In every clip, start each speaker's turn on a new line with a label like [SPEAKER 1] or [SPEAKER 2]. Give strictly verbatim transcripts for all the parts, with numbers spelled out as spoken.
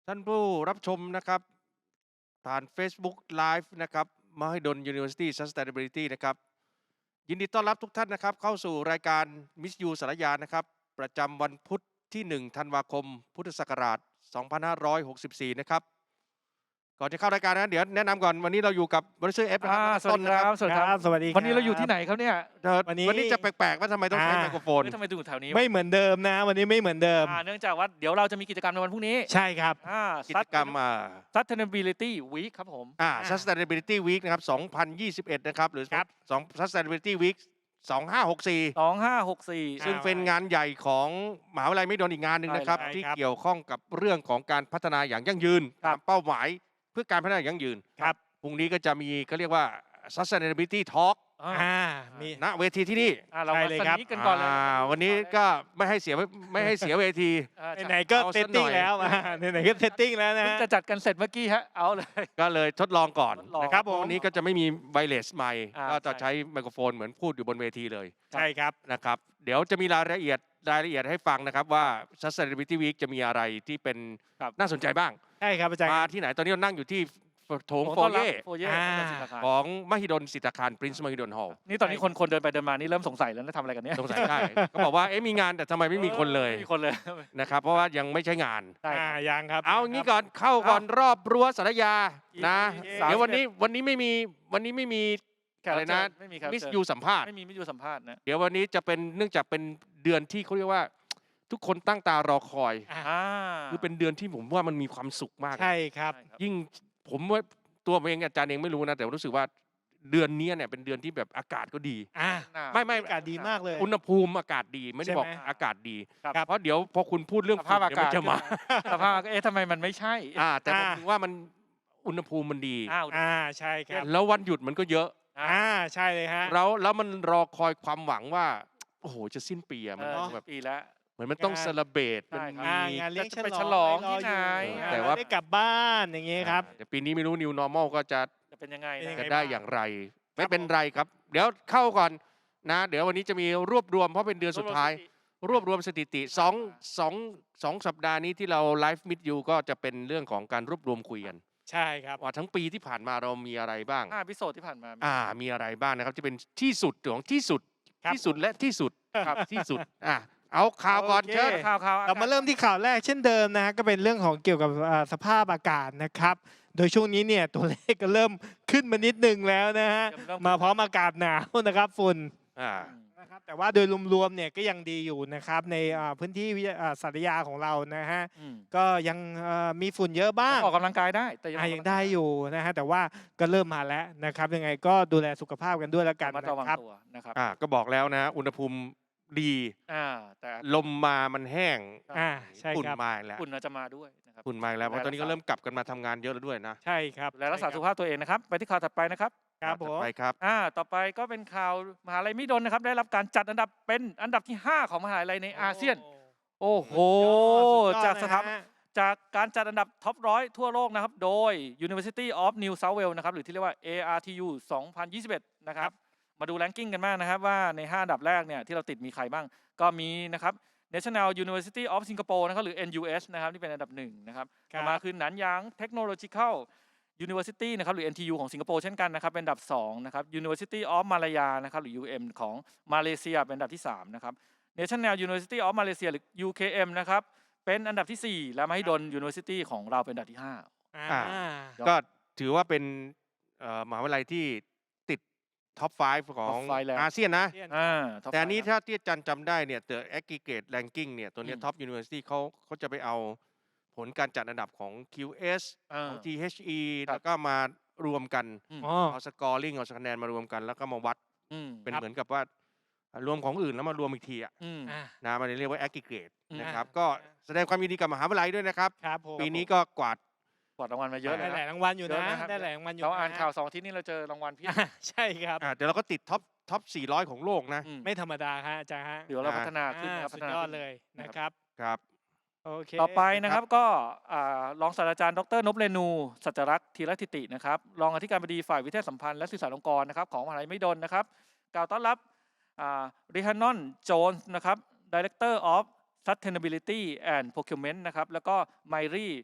[SPEAKER 1] ท่านผู้รับชมนะครับผ่าน Facebook Live นะครับ Mahidol University Sustainability นะครับยินดีต้อนรับทุกท่านนะครับเข้าสู่รายการ Miss You สารยานะครับประจำวันพุธที่หนึ่งธันวาคมพุทธศักราชสองพันห้าร้อยหกสิบสี่นะครับก่อนจะเข้ารายการนะเดี๋ยวแนะนำก่อนวันนี้เราอยู่กับบริษัทเอฟนะค
[SPEAKER 2] อ่า
[SPEAKER 1] รับ
[SPEAKER 2] สวัสดีครับสวัสดีครับ
[SPEAKER 3] สวัสดี
[SPEAKER 2] วันนี้เรา
[SPEAKER 3] คบ
[SPEAKER 2] อยู่ที่ไหนครับเนี่ย
[SPEAKER 1] เอ่อ
[SPEAKER 3] วันนี้
[SPEAKER 1] วันนี้จะแปลกๆว่าทำไมต้องใช้
[SPEAKER 3] อ่า
[SPEAKER 1] ไมโครโฟน
[SPEAKER 2] เฮ้ยทำไมถึงอยู่แถวนี้วะ
[SPEAKER 3] ไม่เหมือนเดิมนะ วันนี้ไม่เหมือนเดิม
[SPEAKER 2] อ่าเนื่องจากว่าเดี๋ยวเราจะมีกิจกรรมในวันพรุ่งนี้
[SPEAKER 3] ใช่ครับ
[SPEAKER 2] อ่า
[SPEAKER 1] กิจกรรมอ่า
[SPEAKER 2] Sustainability Week ครับผม
[SPEAKER 1] อ่า
[SPEAKER 3] อ่า
[SPEAKER 1] Sustainability Week นะครับสองพันยี่สิบเอ็ดนะครับหรือ
[SPEAKER 3] ครับ
[SPEAKER 1] สอง Sustainability Week สองห้าหกสี่
[SPEAKER 2] สองห้าหกสี่
[SPEAKER 1] ซึ่งเป็นงานใหญ่ของมหาวิทยาลัยไม่โดนอีกงานหนึ่งนะครับ
[SPEAKER 3] ใช่ครับ
[SPEAKER 1] ที่เกี่ยวข้องกับเรื่องของการพัฒนาอย่างยั่งยืน
[SPEAKER 2] ครับ
[SPEAKER 1] ตามเป้าหมายเพื่อการพัฒนาอย่างยั่งยืน
[SPEAKER 3] ครับ
[SPEAKER 1] พรุ่งนี้ก็จะมีเขาเรียกว่า Sustainability Talk
[SPEAKER 2] อ่า
[SPEAKER 3] อ่ามี
[SPEAKER 1] ณเวทีที่นี่
[SPEAKER 2] อ่าเรา
[SPEAKER 3] ใช่
[SPEAKER 2] มา
[SPEAKER 3] เลย
[SPEAKER 2] ส
[SPEAKER 3] ครับ
[SPEAKER 2] นิทกันก่อนเลย
[SPEAKER 1] อ่าวันนี้ก็ไม่ให้เสียไม่ให้เสียเวที
[SPEAKER 2] อ่า
[SPEAKER 3] ไหนๆก็
[SPEAKER 1] เอา
[SPEAKER 3] เซ
[SPEAKER 1] สั
[SPEAKER 3] ต
[SPEAKER 1] กหน่
[SPEAKER 3] ติ้ง
[SPEAKER 1] อย
[SPEAKER 3] แล้วอ่าไหนๆก็เซตติ้งแล้วนะ
[SPEAKER 2] เพิ่งจะจัดกันเสร็จเมื่อกี้ฮะเอาเลย
[SPEAKER 1] ก็เลยทดลองก่อน
[SPEAKER 2] ทดลอง
[SPEAKER 1] นะครับ
[SPEAKER 3] ผม
[SPEAKER 1] วันนี้ก็จะไม่มีไวเลสไมค์
[SPEAKER 2] อ่า
[SPEAKER 1] ก็จะ
[SPEAKER 2] ใช่
[SPEAKER 1] ใช้ไมโครโฟนเหมือนพูดอยู่บนเวทีเลย
[SPEAKER 3] ใช่ครับ
[SPEAKER 1] นะครับเดี๋ยวจะมีรายละเอียดรายละเอียดให้ฟังนะครับว่า Sustainability Week จะมีอะไรที่เป็น
[SPEAKER 2] ครับ
[SPEAKER 1] น่าสนใจบ้าง
[SPEAKER 3] ใช่ครับอาจารย์
[SPEAKER 1] มาที่ไหนตอนนี้เรานั่งอยู่ที่โถง
[SPEAKER 2] ผม
[SPEAKER 1] โฟ
[SPEAKER 2] ต้อนรับ
[SPEAKER 1] เย่
[SPEAKER 2] โฟเย่
[SPEAKER 3] อ่า
[SPEAKER 2] ของศิลปาคาร
[SPEAKER 1] ของมหิดลสิทธาคาร Prince มหิดล Hall
[SPEAKER 2] นี่ตอนนี้คนคนเดินไปเดินมานี่เริ่มสงสัยแล้วนะทำอะไรกันเนี่ย
[SPEAKER 1] สงสัยได้ ก็บอกว่าเอ๊ะมีงานแต่ทำไมไม่มีคนเลย
[SPEAKER 2] ไม่มีคนเลย
[SPEAKER 1] นะครับเพราะว่ายังไม่ใช่งาน
[SPEAKER 2] ใช่
[SPEAKER 3] อ่ายังครับ
[SPEAKER 1] เอางี้ก่อนเข้าก่อนรอบรั้วสารยานะ
[SPEAKER 2] อีก
[SPEAKER 1] เดี๋ยววันนี้วันนี้ไม่มีวันนี้ไม่มี
[SPEAKER 2] แขก
[SPEAKER 1] อะไร
[SPEAKER 2] รับเชิ
[SPEAKER 1] นะ
[SPEAKER 2] ญไม่มีครับ
[SPEAKER 1] มิส
[SPEAKER 2] เชิญ
[SPEAKER 1] ยูสัมภาษณ์
[SPEAKER 2] ไม่มีมิสยูสัมภาษณ์นะ
[SPEAKER 1] เดี๋ยววันนี้จะเป็นเนื่องจากเป็นเดือนที่เขาเรียกว่า ทุกคนตั้งตารอคอย
[SPEAKER 3] อ่า
[SPEAKER 2] อ่า
[SPEAKER 1] คือเป็นเดือนที่ผมว่ามันมีความสุขมาก
[SPEAKER 3] ใช่ครับ
[SPEAKER 2] ใช่ครับ
[SPEAKER 1] ยิ่งผมว่าตัวผมเองอาจารย์เองไม่รู้นะ แต่รู้สึกว่าเดือนนี้เนี่ยเป็นเดือนที่แบบอากาศก็ดี
[SPEAKER 3] อ่า
[SPEAKER 2] หนาว
[SPEAKER 1] ไม่ไม่
[SPEAKER 3] อากาศดีมากเลย
[SPEAKER 1] อุณหภูมิอากาศดีไม่ได้
[SPEAKER 3] ใช่ไหม
[SPEAKER 1] บอกอากาศดี
[SPEAKER 2] ครับ
[SPEAKER 1] เพราะเดี๋ยวพอคุณพูดเรื่อง
[SPEAKER 2] สภาพ
[SPEAKER 1] ฝุ่น
[SPEAKER 2] อากาศ
[SPEAKER 1] เดี๋ยวมันจะมา
[SPEAKER 2] สภาพอากาศเอ๊ะทำไมมันไม่ใช่
[SPEAKER 1] อ่าแต่ผม
[SPEAKER 3] อ่า
[SPEAKER 1] ถือว่ามันอุณหภูมิมันดี
[SPEAKER 2] อ้าว
[SPEAKER 3] อ่าใช่ครับ
[SPEAKER 1] แล้ววันหยุดมันก็เยอะ
[SPEAKER 3] อ่าใช่เลยฮะ
[SPEAKER 1] แล้วแล้วมันรอคอยความหวังว่า โอ้โหจะสิ้นปีอะ
[SPEAKER 2] เอ
[SPEAKER 1] มัน
[SPEAKER 2] อ
[SPEAKER 1] ต้องแบบ
[SPEAKER 2] ปีแล้ว
[SPEAKER 1] เหมือนมันต้อง
[SPEAKER 3] งาน
[SPEAKER 1] เซเลบรต
[SPEAKER 2] ใช่
[SPEAKER 1] มัน
[SPEAKER 2] ครับ
[SPEAKER 3] อ่า
[SPEAKER 1] มี
[SPEAKER 3] งานเลี้ยง
[SPEAKER 2] จะไป
[SPEAKER 3] ฉ
[SPEAKER 2] ฉ
[SPEAKER 3] ล
[SPEAKER 2] ล
[SPEAKER 3] อ
[SPEAKER 2] อง ง
[SPEAKER 3] รอ
[SPEAKER 2] ที่ไหน
[SPEAKER 3] อยู่
[SPEAKER 1] แต่ว่า
[SPEAKER 3] ได้กลับบ้านอย่างเงี้ยครับ
[SPEAKER 1] แต่ปีนี้ไม่รู้ New Normal ก็จะ
[SPEAKER 2] จะเป็นยังไง
[SPEAKER 3] เป็นยั
[SPEAKER 2] นะ
[SPEAKER 3] ง
[SPEAKER 1] จะ
[SPEAKER 3] ไง
[SPEAKER 1] ได้อย่างไร ไม่เป็นไรครับ เดี๋ยวเข้าก่อนนะ เดี๋ยววันนี้จะมีรวบรวมเพราะเป็นเดือนสุดท้าย รวบรวมสถิติสองสองสองสัปดาห์นี้ที่เราไลฟ์มิดยูก็จะเป็นเรื่องของการรวบรวมคุยกัน
[SPEAKER 3] ใช่ครับ
[SPEAKER 1] ว่าทั้งปีที่ผ่านมาเรามีอะไรบ้าง
[SPEAKER 2] ห้าพิโซดที่ผ่านมา
[SPEAKER 1] อ่ามีอะไรบ้างนะครับที่เป็นที่สุดของที่สุด
[SPEAKER 3] ครับ
[SPEAKER 1] ที่สุดและที่สุด
[SPEAKER 3] ครับ
[SPEAKER 1] ที่สุดอ่ะเอาข่าวก่อน
[SPEAKER 3] โอเค
[SPEAKER 1] เชิญ
[SPEAKER 2] ข่าวข่าว
[SPEAKER 3] เรามาเริ่มที่ข่าวแรกเช่นเดิมนะฮะก็เป็นเรื่องของเกี่ยวกับอ่าสภาพอากาศนะครับ โดยช่วงนี้เนี่ยตัวเลขก็เริ่มขึ้นมานิดนึงแล้วนะฮะมาพร้อมอากาศหนาวนะครับฝุ่น
[SPEAKER 1] อ่า
[SPEAKER 3] นะครับแต่ว่าโดยรวมๆเนี่ยก็ยังดีอยู่นะครับในอ่าพื้นที่วิทยาอ่าสัตยาของเรานะฮะ
[SPEAKER 2] อืม
[SPEAKER 3] ก็ยังเอ่อมีฝุ่นเยอะบ้าง
[SPEAKER 2] ออกกำลังกายได้แต่
[SPEAKER 3] อ่ะยังได้อยู่นะฮะแต่ว่าก็เริ่มมาแล้วนะครับยังไงก็ดูแลสุขภาพกันด้วยแล้วกัน
[SPEAKER 2] มา
[SPEAKER 3] นะ
[SPEAKER 2] ระวัง
[SPEAKER 3] ครับ
[SPEAKER 2] ตัวนะครับ
[SPEAKER 1] อ่าก็บอกแล้วนะ อุณหภูมิดี
[SPEAKER 2] อ่าแต่
[SPEAKER 1] ลมมามันแห้ง
[SPEAKER 3] อ่าใช่
[SPEAKER 1] ฝุ่น
[SPEAKER 3] ครับ
[SPEAKER 1] มาอีกแล้ว
[SPEAKER 2] ฝุ่นอาจจะมาด้วยนะครับ
[SPEAKER 1] ฝุ่นมาอีกแล้วเพราะตอนนี้ก็เริ่มกลับกันมาทำงานเยอะแล้วด้วยนะ
[SPEAKER 3] ใช่ครับ
[SPEAKER 2] ดูแลรักษาสุขภาพตัวเองนะครับ ไปที่ข่าวถัดไปนะครับ
[SPEAKER 3] ครับผ
[SPEAKER 1] ถัด
[SPEAKER 3] ม
[SPEAKER 1] ไปครับ
[SPEAKER 2] อ่าต่อไปก็เป็นข่าวมหาลัยมิดลนะครับได้รับการจัดอันดับเป็นอันดับที่ห้าของมหาลัยในอาเซียน โอ้โห
[SPEAKER 3] สุดยอด
[SPEAKER 2] จากสถา
[SPEAKER 3] นะ
[SPEAKER 2] บัน
[SPEAKER 3] ฮะ
[SPEAKER 2] จากการจัดอันดับท็อปร้อยทั่วโลกนะครับ โดย University of New South Wales นะครับ หรือที่เรียกว่า เอ อาร์ ที ยู สองพันยี่สิบเอ็ด นะครับ มาดูแรงกิ้งกันบ้างนะครับ ว่าใน ห้า อันดับแรกเนี่ยที่เราติดมีใครบ้าง ก็มีนะครับ National University of Singapore นะครับ หรือ เอ็น ยู เอส นะครับ ที่เป็นอันดับหนึ่งนะครับ
[SPEAKER 3] ครับ
[SPEAKER 2] ต่อมาคือหนานหยาง Technological University นะครับ หรือ เอ็น ที ยู ของสิงคโปร์เช่นกันนะครับ เป็นอันดับสองนะครับ University of Malaya นะครับ หรือ ยู เอ็ม ของมาเลเซียเป็นอันดับที่สามนะครับ National University of Malaysia หรือ ยู เค เอ็ม นะครับ เป็นอันดับที่สี่และมหิดล University ของเราเป็นอันดับที่ห้า
[SPEAKER 3] อ่า
[SPEAKER 1] ก็ถือว่าเป็นเอ่อมหาวิทยาลัยที่ติดท็อป ห้า ของ
[SPEAKER 2] Top five แล้ว
[SPEAKER 1] อาเซียนนะ
[SPEAKER 2] อ่า top
[SPEAKER 1] แต่อันนี้
[SPEAKER 2] five
[SPEAKER 1] ถ้าที่อาจารย์จำได้เนี่ย The Aggregate Ranking เนี่ย ตัวเนี้
[SPEAKER 2] อืม
[SPEAKER 1] ท็อปยูนิเวอร์ซิตี้เขาเขาจะไปเอาผลการจัดอันดับของ คิว เอส
[SPEAKER 2] อ่า
[SPEAKER 1] ของ ที เอช อี
[SPEAKER 2] ครับ
[SPEAKER 1] แล้วก็มารวมกัน
[SPEAKER 3] อ๋อ
[SPEAKER 1] เอาสกอร์ลิงเอาคะแนนมารวมกัน แล้วก็มาวัด
[SPEAKER 2] อืม
[SPEAKER 1] เป็น
[SPEAKER 3] ครับ
[SPEAKER 1] เหมือนกับว่ารวมของอื่นแล้วมารวมอีกทีอะ
[SPEAKER 2] อืม
[SPEAKER 3] อ่า
[SPEAKER 1] นะมันเรียกว่า Aggregate
[SPEAKER 2] อืม
[SPEAKER 1] นะครับ
[SPEAKER 3] อ่า
[SPEAKER 1] ก็แสดงความยินดีกับมหาวิทยาลัยด้วยนะครับ
[SPEAKER 3] ครับผม
[SPEAKER 1] ปีนี้ก็กวาด
[SPEAKER 2] กวาดรางวัลมาเยอะ
[SPEAKER 1] ได้
[SPEAKER 3] ได้
[SPEAKER 2] นะ
[SPEAKER 3] ห
[SPEAKER 2] ค
[SPEAKER 3] ลา
[SPEAKER 2] รับ
[SPEAKER 3] ยรางวัลอยู่
[SPEAKER 2] เย
[SPEAKER 3] นะ
[SPEAKER 2] อะนะครับ
[SPEAKER 3] ได้หลายรางวัลอยู่
[SPEAKER 2] เราอ่าน
[SPEAKER 3] ะ
[SPEAKER 2] ข่าวสองอาทิตย์นี้เราเจอรางวัลเพียบ
[SPEAKER 3] อ่าใช่ครับ
[SPEAKER 1] อ่าเดี๋ยวเราก็ติดท็อปท็อปสี่ร้อยของโลกนะ
[SPEAKER 2] อืม
[SPEAKER 3] ไม่ธรรมดาฮะอาจารย์ฮะ
[SPEAKER 2] เดี๋ยวเรา
[SPEAKER 1] อ่า
[SPEAKER 2] พัฒนาขึ้น
[SPEAKER 3] อ่า
[SPEAKER 2] นะครับ
[SPEAKER 3] สุ
[SPEAKER 2] พั
[SPEAKER 3] ด
[SPEAKER 2] ฒนาย
[SPEAKER 3] อด
[SPEAKER 2] ขึ้น
[SPEAKER 3] เลย
[SPEAKER 2] นะ
[SPEAKER 3] นะ
[SPEAKER 2] ค
[SPEAKER 3] ครับ รับ
[SPEAKER 1] ครับ
[SPEAKER 3] โอเค
[SPEAKER 2] ต่อไปนะครับก็อ่ารองศาสตราจารย์ดรนพเรนูสัจรักษ์ธีรทิตินะครับรองอธิการบดีฝ่ายวิทยาสัมพันธ์และสื่อสารองค์กรนะครับของมหาลัยมหิดลนะครับกล่าวต้อนรับริฮานอนโจนส์นะครับ Director of Sustainability and Procurement นะครับแล้วก็ไมรี่โ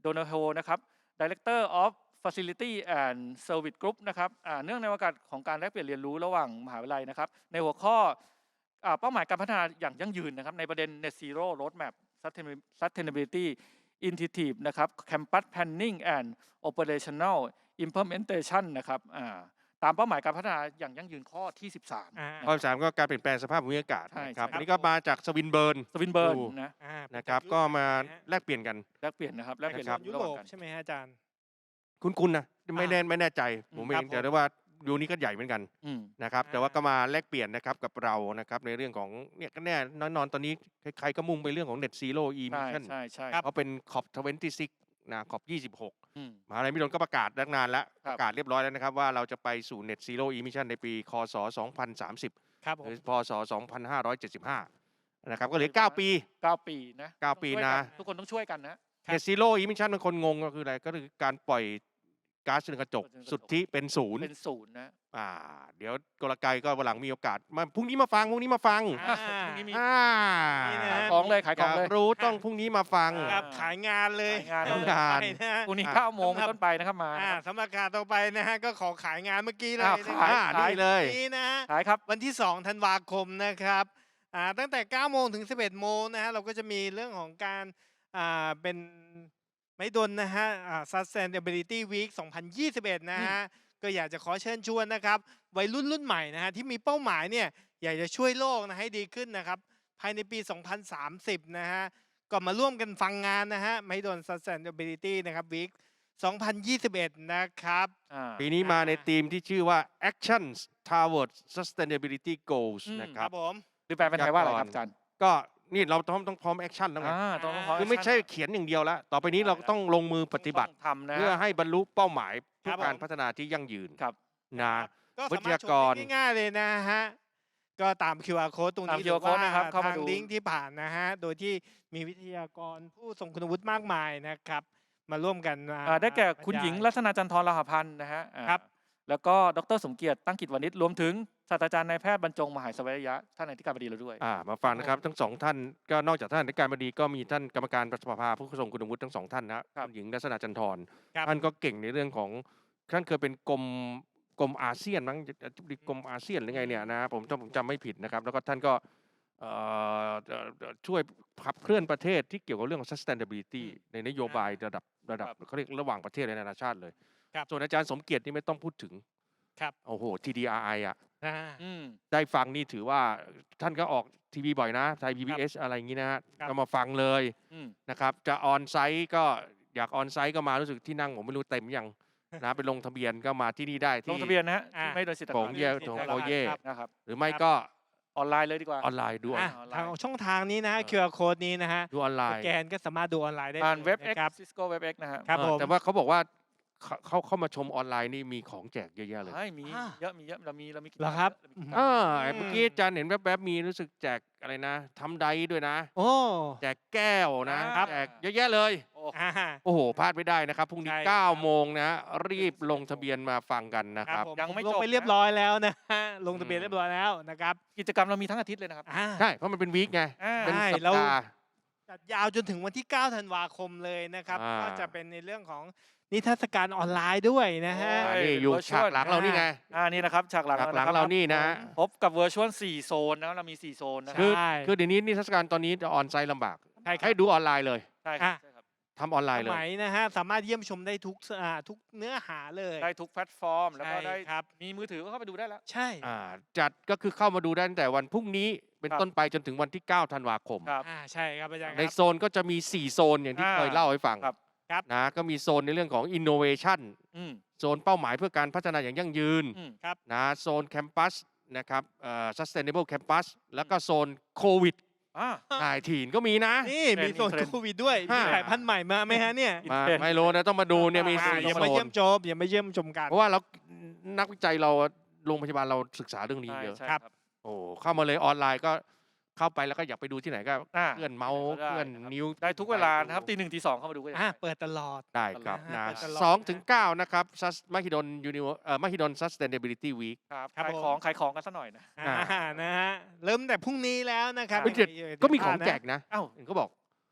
[SPEAKER 2] โดนัลโฮนะครับ Director of Facility and Service Group นะครับอ่าเนื่องในโอกาสของการแลกเปลี่ยนเรียนรู้ระหว่างมหาวิทยาลัยนะครับในหัวข้ออ่าเป้าหมายการพัฒนาอย่างยั่งยืนนะครับในประเด็น Net Zero Roadmap Sustainability Initiative นะครับ Campus Planning and Operational Implementation นะครับอ่าตามเป้าหมายการพัฒนาอย่างยั่งยืนข้อที่ สิบสาม
[SPEAKER 3] อ่า
[SPEAKER 1] ข้อสามก็การเปลี่ยนแปลงสภาพภูมิอากาศ
[SPEAKER 2] ใช่
[SPEAKER 1] นะครับ
[SPEAKER 2] ใช่
[SPEAKER 1] อันนี้ก็มาจากสวินเบิร์น
[SPEAKER 2] สวินเบิร์น
[SPEAKER 1] ดู
[SPEAKER 2] นะ
[SPEAKER 3] อ่าเป็
[SPEAKER 1] นะครับ
[SPEAKER 3] จาก
[SPEAKER 1] ก็มา
[SPEAKER 3] ยุโรปนะฮะ
[SPEAKER 1] แลกเปลี่ยนกัน
[SPEAKER 2] แลกเปลี่ยนนะครับแลกเปลี่ยน
[SPEAKER 1] นะครับ
[SPEAKER 3] ยุ
[SPEAKER 2] ระ
[SPEAKER 3] โร
[SPEAKER 2] หว่าง
[SPEAKER 3] ป
[SPEAKER 2] กัน
[SPEAKER 3] ใช่ไหมฮะอาจารย์
[SPEAKER 1] คุ้นๆนะไม่แน่ไม่แน่ใจ
[SPEAKER 2] อืม
[SPEAKER 1] ผมเอ
[SPEAKER 3] ครั
[SPEAKER 1] ง
[SPEAKER 3] บ
[SPEAKER 1] แต่
[SPEAKER 3] ผม
[SPEAKER 1] ได้ว่ายูนี้ก็ใหญ่เหมือนกัน
[SPEAKER 2] อืม
[SPEAKER 1] นะครับ แต่ว่าก็มาแลกเปลี่ยนนะครับกับเรานะครับในเรื่องของเนี่ยก็แน่นอนนอนตอนนี้ใครๆก็มุ่งไปเรื่องของ Net Zero
[SPEAKER 2] ใช่
[SPEAKER 1] Emission
[SPEAKER 2] ใช่ใช่
[SPEAKER 1] เพราะเป็น ซี โอ พี ยี่สิบหก นะ ซี โอ พี ยี่สิบหก
[SPEAKER 2] อืม
[SPEAKER 1] มหาลัยมหิดลก็ประกาศตั้งนานแล้ว
[SPEAKER 2] ครั
[SPEAKER 1] ป
[SPEAKER 2] บ
[SPEAKER 1] ระกาศเรียบร้อยแล้วนะครับว่าเราจะไปสู่ Net Zero Emission ในปี ค.ศ. สองพันสามสิบ
[SPEAKER 3] ครับผ
[SPEAKER 1] หรื
[SPEAKER 3] ม
[SPEAKER 1] อ พ.ศ. สองพันห้าร้อยเจ็ดสิบห้า นะครับก็เหลือเก้าปี
[SPEAKER 2] เก้าปีนะ
[SPEAKER 1] เก้า
[SPEAKER 2] ต้อง
[SPEAKER 1] ปี
[SPEAKER 2] ช่วย
[SPEAKER 1] นะ
[SPEAKER 2] กัทุกคนต้องช่วยกันนะ
[SPEAKER 1] Net Zero Emission บางคนงงก็คืออะไรก็คือการปล่อยก๊าซเรือนกระจก
[SPEAKER 2] เรือนกระจก
[SPEAKER 1] สุทธิเป็นศูนย์
[SPEAKER 2] เป็นศูนย์นะ
[SPEAKER 1] อ่าเดี๋ยวกลไกก็วันหลังมีโอกาสมาพรุ่งนี้มาฟังพรุ่งนี้มาฟัง
[SPEAKER 3] อ่า
[SPEAKER 2] พรุ่งนี้มี
[SPEAKER 1] อ่า
[SPEAKER 3] นี่นะ
[SPEAKER 2] ขาย
[SPEAKER 3] ฮะ
[SPEAKER 2] ของเลยขาย
[SPEAKER 1] อ
[SPEAKER 2] ของ
[SPEAKER 1] ยาก
[SPEAKER 2] เลย
[SPEAKER 1] รู้ต้องพรุ่งนี้มาฟัง
[SPEAKER 2] อ่า
[SPEAKER 3] ครับขายงานเลย
[SPEAKER 2] ขายงาน
[SPEAKER 1] ต้องการ
[SPEAKER 3] ไปนะฮะ
[SPEAKER 2] พรุ่งนี้
[SPEAKER 1] อ่ะ
[SPEAKER 2] เก้าโมง
[SPEAKER 3] สำหรับ
[SPEAKER 2] เป็นต้นไปนะครับมา
[SPEAKER 3] อ่า
[SPEAKER 2] นะครับ
[SPEAKER 3] สำหรับการต่อไปนะฮะก็ขอขายงานเมื่อกี้เลย
[SPEAKER 2] อ้าว
[SPEAKER 3] นะ
[SPEAKER 2] ขาย
[SPEAKER 3] ค
[SPEAKER 1] อ่า
[SPEAKER 3] รับ
[SPEAKER 1] นี่เลย
[SPEAKER 3] นี่นะฮะ
[SPEAKER 2] ขายครับ
[SPEAKER 3] วันที่ สอง ธันวาคมนะครับอ่าตั้งแต่ เก้า โมงถึง สิบเอ็ด โมงนะฮะเราก็จะมีเรื่องของการอ่าเป็นไม่ดนนะฮะอ่า Sustainability Week สองพันยี่สิบเอ็ด นะฮะก็อยากจะขอเชิญชวนนะครับวัยรุ่นรุ่นใหม่นะฮะที่มีเป้าหมายเนี่ยอยากจะช่วยโลกนะให้ดีขึ้นนะครับภายในปี สองพันสามสิบ นะฮะก็มาร่วมกันฟังงานนะฮะไม่ดน Sustainability นะครับ Week สองพันยี่สิบเอ็ด นะครับ
[SPEAKER 2] อ่า
[SPEAKER 1] ปีนี้มาในธีมที่ชื่อว่า Actions Towards Sustainability Goals
[SPEAKER 2] อืม
[SPEAKER 1] นะค
[SPEAKER 3] ค
[SPEAKER 1] รั
[SPEAKER 3] รับ บผม
[SPEAKER 2] หรือแปลเป็นไทยว่าอะไรครับอาจารย์
[SPEAKER 1] ก็นี่เราต้องต้องพร้อมแอคชั่นแล้วไง
[SPEAKER 2] อ่าต้องขอ
[SPEAKER 1] คือไม่ใช่เขียนอย่างเดียวแล้ว ต่อไปนี้เราต้องลงมือปฏิบัติ
[SPEAKER 2] ต้องทำนะ
[SPEAKER 1] เพื่อให้บรรลุเป้าหมายเพื่
[SPEAKER 3] ครั
[SPEAKER 1] อบ
[SPEAKER 3] ผม
[SPEAKER 1] การพัฒนาที่ยั่งยืน
[SPEAKER 2] ครับ
[SPEAKER 1] นะ
[SPEAKER 3] ก็
[SPEAKER 1] วิ
[SPEAKER 3] สา
[SPEAKER 1] ท
[SPEAKER 3] มารถ
[SPEAKER 1] ยา
[SPEAKER 3] ช
[SPEAKER 1] ก
[SPEAKER 3] ม
[SPEAKER 1] ร
[SPEAKER 3] ได้ง่ายๆเลยนะฮะ ก็ตาม คิว อาร์ Code ตรง
[SPEAKER 2] ตาม
[SPEAKER 3] นี้
[SPEAKER 2] คิว อาร์ Code นะครับเข้ามา
[SPEAKER 3] ทาง
[SPEAKER 2] ดู
[SPEAKER 3] ลิงก์ที่ผ่านนะฮะ โดยที่มีวิทยากรผู้ทรงคุณวุฒิมากมายนะครับ มาร่วมกันมา
[SPEAKER 2] อ่าได้แก่คุณ
[SPEAKER 3] บรรยาย
[SPEAKER 2] หญิงรัตนาจันทรลาหพันธ์นะฮะอ่า
[SPEAKER 3] ครับ
[SPEAKER 2] แล้วก็ดรสมเกียรติตั้งกิจวณิชรวมถึงศาสตราจารย์นายแพทย์บรรจงมหาสวัยยะท่านอธิการบดีเราด้วย
[SPEAKER 1] อ่ามาฟังนะครับทั้งสองท่านก็นอกจากท่านอธิการบดีก็มีท่านกรรมการประสภาผู้ทรงคุณวุฒิทั้งสองท่านนะครับ คุณหญิงรัตนาจันทร
[SPEAKER 3] ครับ
[SPEAKER 1] ท่านก็เก่งในเรื่องของท่านเคยเป็นกรมกรมอาเซียนมั้งอธิบดีกรมอาเซียนหรือไงเนี่ยนะผมจำผมจำไม่ผิดนะครับ แล้วก็ท่านก็เอ่อเอ่อเอ่อช่วยขับเคลื่อนประเทศที่เกี่ยวกับเรื่องของ sustainability ในนโยบายระดับระดับ
[SPEAKER 2] ครับ
[SPEAKER 1] เขาเรียกระหว่างประเทศและนานาชาติเลย
[SPEAKER 3] ครับ
[SPEAKER 1] ส่วนอาจารย์สมเกียรตินี่ไม่ต้องพูดถึง
[SPEAKER 3] ครับ
[SPEAKER 1] โอ้โห ที ดี อาร์ ไอ อ่ะ
[SPEAKER 3] อ่า
[SPEAKER 2] อืม
[SPEAKER 1] ได้ฟังนี่ถือว่าท่านก็ออกทีวีบ่อยนะไทย พี บี เอส อะไรอย่างนี้นะฮะ
[SPEAKER 3] ครับ
[SPEAKER 1] ก็มาฟังเลย
[SPEAKER 2] อืม
[SPEAKER 1] นะครับ จะออนไซต์ก็อยากออนไซต์ก็มารู้สึกที่นั่งผมไม่รู้เต็มยังนะไปลงทะเบียนก็มาที่นี่ได้
[SPEAKER 2] ล
[SPEAKER 1] ที่
[SPEAKER 2] งทะเบียนนะฮะ
[SPEAKER 3] อ่า
[SPEAKER 2] ที่ไม่โดยสิทธิ์
[SPEAKER 1] โถงเย่
[SPEAKER 2] ต่างๆ
[SPEAKER 1] โถง
[SPEAKER 2] ที่
[SPEAKER 1] โอเย่
[SPEAKER 3] ครับ
[SPEAKER 2] นะครับ
[SPEAKER 1] หรือไม่
[SPEAKER 3] ครับ
[SPEAKER 1] ก็
[SPEAKER 2] ออนไลน์เลยดีกว่า
[SPEAKER 1] ออนไลน์ด้วย
[SPEAKER 3] อ่ะ
[SPEAKER 2] ออนไลน์
[SPEAKER 3] ทางช่องทางนี้นะฮะ
[SPEAKER 1] เออ
[SPEAKER 3] คิว อาร์ Code นี้นะฮะ
[SPEAKER 1] ดูออนไล
[SPEAKER 3] ส
[SPEAKER 1] น์
[SPEAKER 3] แกนก็สามารถดูออนไลน์ได้
[SPEAKER 2] ผ่าน
[SPEAKER 3] ลย
[SPEAKER 2] เว็บ
[SPEAKER 3] นะ
[SPEAKER 2] X
[SPEAKER 3] ครับ
[SPEAKER 2] Cisco เว็บ X นะฮะ
[SPEAKER 3] ครับ
[SPEAKER 1] เออ
[SPEAKER 3] ผม
[SPEAKER 1] แต่ว่าเขาบอกว่าเขาเขาเข้ามาชมออนไลน์นี่มีของแจกเยอะแยะเลย
[SPEAKER 2] ใช่มี
[SPEAKER 3] อ่า
[SPEAKER 2] เยอะมีเยอะเรามีเรามีกิจ
[SPEAKER 3] เหรอก
[SPEAKER 2] ม
[SPEAKER 3] ครับ
[SPEAKER 2] เยอะเรามีกิจก
[SPEAKER 1] เอ
[SPEAKER 2] รรม
[SPEAKER 1] อเมื่อกี้อาจารย์เห็นแวบๆมีรู้สึกแจกอะไรนะทำไดด้วยนะ
[SPEAKER 3] โอ้
[SPEAKER 1] แจกแก้วนะครับ แจกเยอะแยะเลย
[SPEAKER 2] โอ้
[SPEAKER 3] อ่า
[SPEAKER 1] โอ้โหพลาดไม่ได้นะครับพรุ่งนี้
[SPEAKER 3] ใช่ครับ
[SPEAKER 1] เก้าโมงนะรีบลงทะเบียนมาฟังกันนะ
[SPEAKER 3] ค
[SPEAKER 1] ค
[SPEAKER 3] รั
[SPEAKER 1] รั
[SPEAKER 3] บบ ผม
[SPEAKER 2] ยังไม่
[SPEAKER 3] ลง
[SPEAKER 2] จบ
[SPEAKER 3] ไป
[SPEAKER 2] นะ
[SPEAKER 3] เรียบร้อยแล้วนะฮะลงทะเบียน
[SPEAKER 1] อืม
[SPEAKER 3] เรียบร้อยแล้วนะครับ
[SPEAKER 2] กิจกรรมเรามีทั้งอาทิตย์เลยนะครับ
[SPEAKER 3] อ่า
[SPEAKER 1] ใช่เพราะมันเป็นวีคไง
[SPEAKER 2] อ่า
[SPEAKER 1] เป็น
[SPEAKER 3] ใช่
[SPEAKER 1] สัป
[SPEAKER 3] แล้ว
[SPEAKER 1] ดาห์
[SPEAKER 3] จัดยาวจนถึงวันที่ เก้า ธันวาคมเลยนะครับ
[SPEAKER 1] อ่า
[SPEAKER 3] ก็จะเป็นในเรื่องของนิทรรศการออนไลน์ด้วยนะฮะ
[SPEAKER 2] โอ้
[SPEAKER 1] อ่านี่อยู่
[SPEAKER 2] virtual
[SPEAKER 1] ฉากหลังเรานี่ไง
[SPEAKER 2] อ่านี่นะครับฉากหลัง
[SPEAKER 1] ฉากหลัง
[SPEAKER 2] ะคบ
[SPEAKER 1] เรานี่นะฮะ
[SPEAKER 2] พบกับ Virtual สี่โซนนะเรามีสี่โซนนะค
[SPEAKER 3] คื
[SPEAKER 2] รับ
[SPEAKER 1] คือ
[SPEAKER 3] ใช่
[SPEAKER 1] คือเดี๋ยวนี้นิทรรศการตอนนี้จะออนไซต์ลำบาก
[SPEAKER 3] ใช่ครับ
[SPEAKER 1] ให้ดูออนไลน์เลย
[SPEAKER 2] ใช่ครับ
[SPEAKER 3] อ่ะ
[SPEAKER 2] ใช่ครับ
[SPEAKER 1] ทำออนไลน์
[SPEAKER 3] ส
[SPEAKER 1] เลย
[SPEAKER 3] มัยนะฮะสามารถเยี่ยมชมได้ทุกอ่าทุกเนื้อหาเลย
[SPEAKER 2] ได้ทุกแพลตฟอร์ม แล้วก็
[SPEAKER 3] ใช่
[SPEAKER 2] ได้
[SPEAKER 3] ครับ
[SPEAKER 2] มีมือถือก็เข้าไปดูได้แล้ว
[SPEAKER 3] ใช่
[SPEAKER 1] อ่าจัดก็คือเข้ามาดูได้ตั้งแต่วันพรุ่งนี้เป็น
[SPEAKER 2] ครับ
[SPEAKER 1] ต้นไปจนถึงวันที่ เก้า ธันวาคม
[SPEAKER 2] ครับ
[SPEAKER 3] อ่าใช่ครับอาจารย์ค
[SPEAKER 1] ใน
[SPEAKER 3] รับ
[SPEAKER 1] โซนก็จะมี สี่ โซนอย่างที่
[SPEAKER 2] อ่า
[SPEAKER 1] เคยเล่าให้ฟัง
[SPEAKER 2] ครับ
[SPEAKER 3] ครับ
[SPEAKER 1] นะก็มีโซนในเรื่องของ innovation
[SPEAKER 2] อืม
[SPEAKER 1] โซนเป้าหมายเพื่อการพัฒนาอย่างยั่งยืน
[SPEAKER 2] อืม
[SPEAKER 1] นะโซนแคมปัสนะครับเอ่อ sustainable campus แล้วก็โซนโควิด
[SPEAKER 2] อ่า
[SPEAKER 1] นายทีนก็มีนะ
[SPEAKER 3] นี่
[SPEAKER 2] เทรนด์
[SPEAKER 3] มีโซน
[SPEAKER 2] เทรนด์
[SPEAKER 3] โควิดด้วย
[SPEAKER 1] ห้า
[SPEAKER 3] มีสายพันธุ์ใหม่มาไหมฮะเนี่ย
[SPEAKER 1] มา
[SPEAKER 2] เป็น
[SPEAKER 1] ไม่รู้นะต้องมาดูเนี่ยมี
[SPEAKER 3] อ่า
[SPEAKER 1] สี่
[SPEAKER 3] อย่า
[SPEAKER 1] โซ
[SPEAKER 3] มาเยี่ย
[SPEAKER 1] น
[SPEAKER 3] มชมอย่ามาเยี่ยมชมกัน
[SPEAKER 1] เพราะว่าเรานักวิจัยเราโรงพยาบาลเราศึกษาเรื่องนี้
[SPEAKER 2] ใช่
[SPEAKER 1] เยอะ
[SPEAKER 2] ใช่
[SPEAKER 3] ครับ
[SPEAKER 2] ครับ
[SPEAKER 1] โอ้เข้ามาเลยออนไลน์ก็เข้าไปแล้วก็อยากไปดูที่ไหนก็
[SPEAKER 2] อ่า
[SPEAKER 1] เลื่อนเมาส์
[SPEAKER 2] ได้
[SPEAKER 1] เลื่อน
[SPEAKER 2] นะครับ
[SPEAKER 1] นิ้ว
[SPEAKER 2] ได้ทุกเวลานะครับตีหนึ่งตีสองเข้ามาดูก็ได้
[SPEAKER 3] อ่าเปิดตลอด
[SPEAKER 1] ได้ครับ
[SPEAKER 3] อ่า
[SPEAKER 1] นะ
[SPEAKER 3] เปิดตลอด
[SPEAKER 1] สองถึงเก้านะครับ Sus- มหิดลยูนิวเอ่อมหิดล sustainability week
[SPEAKER 2] ครับ
[SPEAKER 3] ครับ
[SPEAKER 2] ขาย
[SPEAKER 3] ผม
[SPEAKER 2] ของขายของกันสักหน่อยนะ
[SPEAKER 3] อ่านะฮะเริ่มแต่พรุ่งนี้แล้วนะครับ
[SPEAKER 1] เฮ้ยเจ็ด
[SPEAKER 3] อย่า
[SPEAKER 1] ก็มีของ
[SPEAKER 3] พลาดนะ
[SPEAKER 1] แจกนะ
[SPEAKER 2] เอ้า
[SPEAKER 1] เห็นเขาบอก
[SPEAKER 2] เ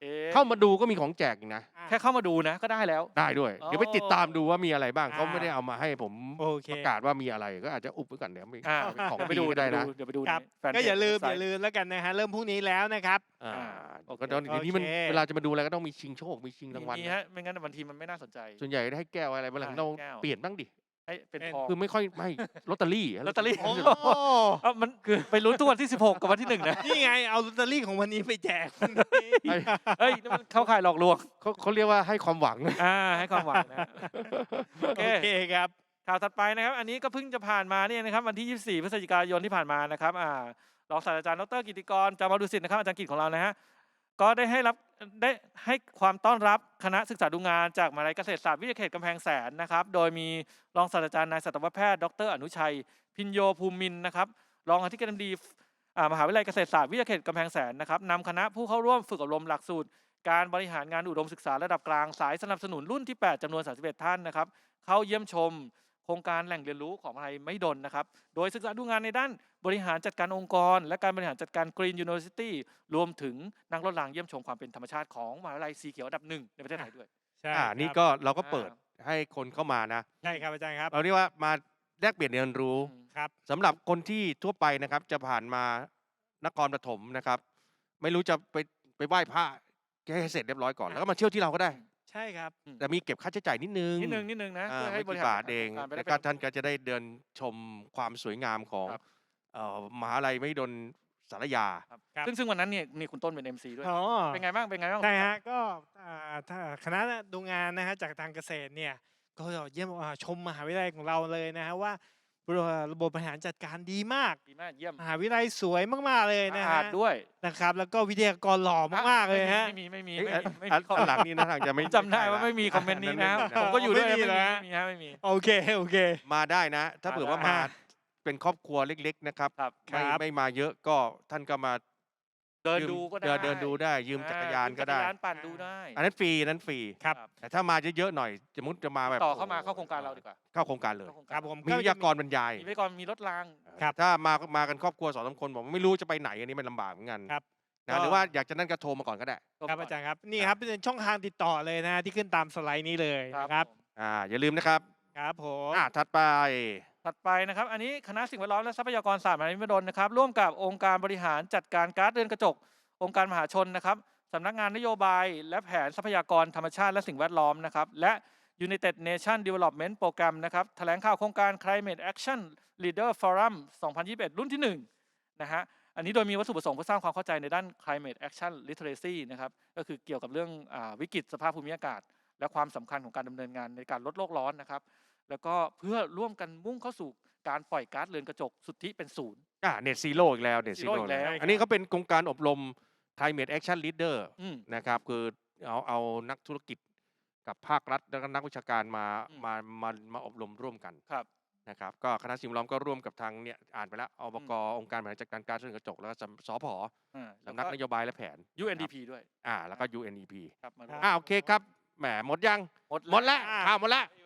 [SPEAKER 2] เอ๊ะ
[SPEAKER 1] เข้ามาดูก็มีของแจกอีกนะ
[SPEAKER 3] อ่ะ
[SPEAKER 2] แค่เข้ามาดูนะก็ได้แล้ว
[SPEAKER 1] ได้ด้วย
[SPEAKER 2] อ๋อ
[SPEAKER 1] เดี๋ยวไปติดตามดูว่ามีอะไรบ้าง
[SPEAKER 3] อ่า
[SPEAKER 1] เขาไม่ได้เอามาให้ผม
[SPEAKER 3] โอเค
[SPEAKER 1] ประกาศว่ามีอะไรก็อาจจะอุบไว้ก่อนเดี๋ยวมี
[SPEAKER 2] อ่า
[SPEAKER 1] ของ
[SPEAKER 2] เดี๋ยวไปดู
[SPEAKER 1] ดีก็ได้นะ
[SPEAKER 2] เดี๋ยวไปดู
[SPEAKER 3] ครับ
[SPEAKER 2] ในแฟนเพจ
[SPEAKER 3] ก็อย่าลืม
[SPEAKER 2] เว็บไซ
[SPEAKER 3] อย่า
[SPEAKER 2] ต์
[SPEAKER 3] ลืมแล้วกันนะฮะเริ่มพรุ่งนี้แล้วนะครับ
[SPEAKER 1] อ่า
[SPEAKER 2] อ่าโอเค
[SPEAKER 1] ก็เดี๋ยวเดี๋ยวนี้มัน
[SPEAKER 3] โอเค
[SPEAKER 1] เวลาจะมาดูอะไรก็ต้องมีชิงโชคมีชิงรางวัล
[SPEAKER 2] มี
[SPEAKER 1] นะ
[SPEAKER 2] ฮะไม่งั้นบางทีมันไม่น่าสนใจ
[SPEAKER 1] ส่วนใหญ่ได้ให้แก้วอะไรบางหลัง
[SPEAKER 2] อ่า
[SPEAKER 1] เรา
[SPEAKER 2] แก้ว
[SPEAKER 1] เปลี่ยนบ้างดิ
[SPEAKER 2] ให้เป็น
[SPEAKER 3] เป็น
[SPEAKER 2] ทอง
[SPEAKER 1] คือไม่ค่อยไม่ลอตเตอรี่
[SPEAKER 2] ลอตเตอรี่
[SPEAKER 3] โอ้
[SPEAKER 2] เอ้ามันคือไปลุ้นทุกวันที่สิบหกกับวันที่หนึ่งนะ
[SPEAKER 3] นี่ไงเอาลอตเตอรี่ของวันนี้ไปแจก
[SPEAKER 1] ไอ้
[SPEAKER 2] เฮ้ยนี่มันเข้าข่ายหลอกลวง
[SPEAKER 1] เขาเขาเรียกว่าให้ความหวัง
[SPEAKER 2] อ่าให้ความหวังนะโอเค
[SPEAKER 3] โอเคครับ
[SPEAKER 2] ข่าวถัดไปนะครับ อันนี้ก็เพิ่งจะผ่านมาเนี่ยนะครับวันที่ยี่สิบสี่พฤศจิกายนที่ผ่านมานะครับอ่ารองศาสตราจารย์ดรกิติกรจามาดุสิตนะครับอาจารย์กิตของเรานะฮะก็ได้ให้รับได้ให้ความต้อนรับคณะศึกษาดูงานจากมหาวิทยาลัยเกษตรศาสตร์วิทยาเขตกำแพงแสนนะครับโดยมีรองศาสตราจารย์นายสัตวแพทย์ดรอนุชัย พิญโยภูมินทร์นะครับรองอธิการบดีอ่ามหาวิทยาลัยเกษตรศาสตร์วิทยาเขตกำแพงแสนนะครับนำคณะผู้เข้าร่วมฝึกอบรมหลักสูตร การบริหารงานอุดมศึกษาระดับกลางสายสนับสนุนรุ่นที่ แปดจำนวน สามสิบเอ็ด ท่านนะครับเข้าเยี่ยมชมโครงการแหล่งเรียนรู้ของมหาวิทยาลัยไม่ดลนะครับโดยศึกษาดูงานในด้านบริหารจัดการองค์กร และการบริหารจัดการ Green University รวมถึงนั่งรถรางเยี่ยมชมความเป็นธรรมชาติของมหาวิทยาลัยสีเขียวอันดับหนึ่งในประเทศไทยด้วย
[SPEAKER 3] ใช่
[SPEAKER 1] อ่า
[SPEAKER 3] ครับ
[SPEAKER 1] นี่ก็เราก็เปิดให้คนเข้ามานะ
[SPEAKER 3] ใช่ครับอาจารย์ครับ
[SPEAKER 1] เราเรียกว่ามาแลกเปลี่ยนเรียนรู้
[SPEAKER 2] อืม
[SPEAKER 3] ครับ
[SPEAKER 1] สำหรับคนที่ทั่วไปนะครับ จะผ่านมานครปฐมนะครับ ไม่รู้จะไปไปไหว้พระให้เสร็จเรียบร้อยก่อนแล้วก็มาเที่ยวที่เราก็ได้
[SPEAKER 3] ใช่ครับ
[SPEAKER 1] แต่มีเก็บค่าใช้จ่ายนิดนึง
[SPEAKER 2] นิดนึงนิดนึงนะ
[SPEAKER 1] อ่า
[SPEAKER 2] เพื่อให้
[SPEAKER 1] ไม่
[SPEAKER 2] บริ
[SPEAKER 1] กี่
[SPEAKER 2] หาร
[SPEAKER 1] บาทเอง
[SPEAKER 2] จัดการไปได้
[SPEAKER 1] แล้ว
[SPEAKER 2] เป็
[SPEAKER 1] ก็
[SPEAKER 2] น
[SPEAKER 1] ท่านก็จะได้เดินชมความสวยงามของ
[SPEAKER 2] ครับ
[SPEAKER 1] เอ่อมหาลัยมหิดลสารยา
[SPEAKER 2] ครับ
[SPEAKER 3] ครับ
[SPEAKER 2] ซึ่งซึ่งวันนั้นเนี่ยนี่คุณต้นเป็น เอ็ม ซี ด้วย
[SPEAKER 3] อ๋อ
[SPEAKER 2] เป็นไงบ้างเป็นไงบ้าง
[SPEAKER 3] ใช่ฮะก็อ่าถ้าคณะดูงานนะฮะจากทางเกษตรเนี่ยก็เยี่ยมอ่าชมมหาวิทยาลัยของเราเลยนะฮะว่าระบบบริหารจัดการดีมาก
[SPEAKER 2] ดีมากเยี่ยม
[SPEAKER 3] มหาวิทยาลัยสวยมากๆเลย
[SPEAKER 2] สะ
[SPEAKER 3] นะ
[SPEAKER 2] อา
[SPEAKER 3] ฮะ
[SPEAKER 2] ดด้วย
[SPEAKER 3] นะครับ แล้วก็วิทยากรหล่อมากๆเลยฮะ
[SPEAKER 2] ไม่มีไม่มี
[SPEAKER 1] เอ้ย
[SPEAKER 2] ไม่มีไม่
[SPEAKER 1] อั
[SPEAKER 2] มี
[SPEAKER 1] น
[SPEAKER 2] คอม
[SPEAKER 1] อันหลังนี่นะทางจะไม่
[SPEAKER 2] จำได้ว่า
[SPEAKER 1] ใช่ละ
[SPEAKER 2] ไม่มีคอมเมนต์นี้นะ
[SPEAKER 1] อั
[SPEAKER 2] ผมก็อยู่ด้วย
[SPEAKER 3] ไม่มี
[SPEAKER 2] ไม่มี
[SPEAKER 3] นะ
[SPEAKER 2] ไม่มีฮะไม่มี
[SPEAKER 3] โอเคโอเค
[SPEAKER 1] มาได้นะ ถ้า
[SPEAKER 2] มา
[SPEAKER 1] เผื่อว่า
[SPEAKER 2] ได้
[SPEAKER 1] มาเป็นครอบครัวเล็ก ๆ นะครับ
[SPEAKER 2] ครับ
[SPEAKER 1] ไม่
[SPEAKER 3] ครับ
[SPEAKER 1] ไม่มาเยอะก็ท่านก็มา
[SPEAKER 2] เดิน
[SPEAKER 1] ยืม
[SPEAKER 2] ดูก็ได้
[SPEAKER 1] เดินเดินดูได้ยืมจักรยานก็ได้
[SPEAKER 2] ยืมจักรยานปั่นดูได้
[SPEAKER 1] อันนั้นฟรีอันนั้นฟรี
[SPEAKER 3] ครับ
[SPEAKER 1] แต่ถ้ามาเยอะๆหน่อยสมมติจะมาแบบ
[SPEAKER 2] ต่อเข้ามาเข้าโครงการเราดีกว่า
[SPEAKER 1] เข้าโครงการเลย
[SPEAKER 2] เข้าโครง
[SPEAKER 3] ครับ
[SPEAKER 2] การ
[SPEAKER 3] ผม
[SPEAKER 1] มีวิทยากรบรรยาย
[SPEAKER 2] มีไว้ก่อนมีรถราง
[SPEAKER 3] ครับ
[SPEAKER 1] ถ้ามามากันครอบครัวสองสามคนบอกว่าไม่รู้จะไปไหนอันนี้มันลำบากเหมือนกัน
[SPEAKER 3] ครับ
[SPEAKER 1] นะ
[SPEAKER 3] ก็
[SPEAKER 1] หรือว่าอยากจะนั่นก็โทรมาก่อนก็ได้
[SPEAKER 3] ครับอาจารย์ครับนี่
[SPEAKER 1] ค
[SPEAKER 3] ค
[SPEAKER 1] รั
[SPEAKER 3] รับ บเป็นช่องทางติดต่อเลยนะที่ขึ้นตามสไลด์นี้เลย
[SPEAKER 2] ครับ
[SPEAKER 3] นะครับ
[SPEAKER 2] ผม
[SPEAKER 1] อ่าอย่าลืมนะครับ
[SPEAKER 3] ครับผม
[SPEAKER 1] อ่าถัดไป
[SPEAKER 2] ถัดไปนะครับ อันนี้คณะสิ่งแวดล้อมและทรัพยากรศาสตร์มหาวิทยาลัยมหิดลนะครับ ร่วมกับองค์การบริหารจัดการก๊าซเรือนกระจก องค์การมหาชนนะครับสำนักงานนโยบาย และแผนทรัพยากรธรรมชาติและสิ่งแวดล้อมนะครับ และ United Nation Development Program นะครับแถลงข่าวโครงการ Climate Action Leader Forum สองพันยี่สิบเอ็ด รุ่นที่หนึ่งนะฮะ อันนี้โดยมีวัตถุประสงค์เพื่อสร้างความเข้าใจในด้าน Climate Action Literacy นะครับ ก็คือเกี่ยวกับเรื่องอาวิกฤตสภาพภูมิอากาศ และความสำคัญของการดำเนินงานในการลดโลกร้อนนะครับ แล้วก็เพื่อร่วมกันมุ่งเข้าสู่การปล่อยก๊าซเรือนกระจกสุทธิเป็นศูนย์
[SPEAKER 1] อ่าเน็ตซีโร่อีกแล้วเน็ตซี
[SPEAKER 2] Zero
[SPEAKER 1] โร่
[SPEAKER 2] อีกแล้ว
[SPEAKER 1] อันนี้เขาเป็นโครงการอบรม Climate Action Leader
[SPEAKER 2] อืม
[SPEAKER 1] นะครับคือเอาเอานักธุรกิจกับภาครัฐแล้วก็นักวิชาการมา
[SPEAKER 2] อืม
[SPEAKER 1] มามามาอบรมร่วมกัน
[SPEAKER 2] ครับ
[SPEAKER 1] นะครับก็คณะสิ่งแวดล้อมก็ร่วมกับทางเนี่ยอ่านไปแล้วอบกองค์การบริหารจัดการก๊าซเรือนกระจกแล้วก็สำสผ
[SPEAKER 2] อ่าแล้ว
[SPEAKER 1] สำนัก
[SPEAKER 2] ก็
[SPEAKER 1] นโยบายและแผน
[SPEAKER 2] ยู เอ็น ดี พี ด้วย
[SPEAKER 1] อ่าแล้วก็ ยู เอ็น อี พี
[SPEAKER 2] ครับมาร่วม
[SPEAKER 1] อ่าโอเคครับแหมหมดยัง
[SPEAKER 2] หมด
[SPEAKER 1] หมดแล้ว
[SPEAKER 3] อ่า
[SPEAKER 1] ข่าวหมดแล้ว